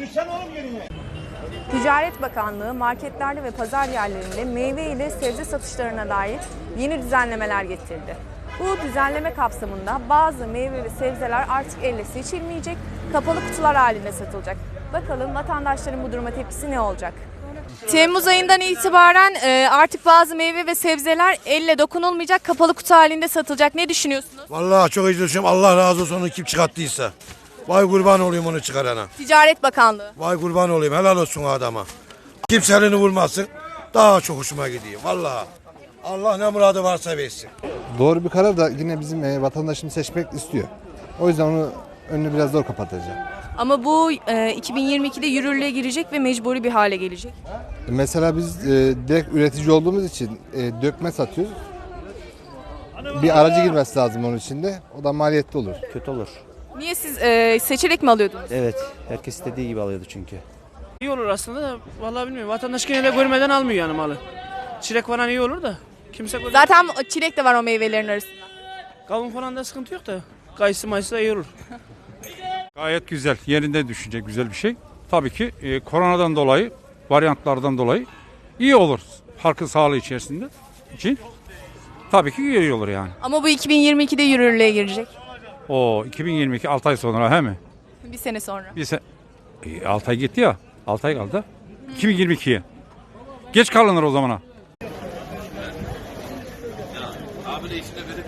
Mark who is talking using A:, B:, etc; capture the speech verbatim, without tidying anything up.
A: Ticaret Bakanlığı marketlerde ve pazar yerlerinde meyve ile sebze satışlarına dair yeni düzenlemeler getirdi. Bu düzenleme kapsamında bazı meyve ve sebzeler artık elle seçilmeyecek, kapalı kutular halinde satılacak. Bakalım vatandaşların bu duruma tepkisi ne olacak? Temmuz ayından itibaren artık bazı meyve ve sebzeler elle dokunulmayacak, kapalı kutu halinde satılacak. Ne düşünüyorsunuz?
B: Vallahi çok iyi düşünüyorum. Allah razı olsun onu kim çıkarttıysa. Vay kurban olayım onu çıkarana.
A: Ticaret Bakanlığı.
B: Vay kurban olayım. Helal olsun o adama. Kimse elini vurmasın. Daha çok hoşuma gidiyor. Vallahi. Allah ne muradı varsa versin.
C: Doğru bir karar da yine bizim e, vatandaşımız seçmek istiyor. O yüzden onu önünü biraz zor kapatacağım.
A: Ama bu e, iki bin yirmi ikide yürürlüğe girecek ve mecburi bir hale gelecek.
C: Mesela biz e, direkt üretici olduğumuz için e, dökme satıyoruz. Bir aracı girmesi lazım onun içinde. O da maliyetli olur.
D: Kötü olur.
A: Niye siz e, seçerek mi alıyordunuz?
D: Evet. Herkes istediği gibi alıyordu çünkü.
E: İyi olur aslında da vallahi bilmiyorum. Vatandaş genelde görmeden almıyor yani malı. Çilek falan iyi olur da kimse görmeden.
A: Zaten çilek de var o meyvelerin arasında.
E: Kavun falan da sıkıntı yok da kayısı mayısı da iyi olur.
F: Gayet güzel, yerinde düşünecek güzel bir şey. Tabii ki e, koronadan dolayı, varyantlardan dolayı iyi olur halkın sağlığı içerisinde için. Tabii ki iyi olur yani.
A: Ama bu iki bin yirmi ikide yürürlüğe girecek.
F: O iki bin yirmi iki altı ay sonra he mi?
A: Bir sene sonra.
F: Bir se e, altı ay gitti ya. altı ay kaldı. iki bin yirmi ikiye. Geç kalınır o zamana. Abi de işte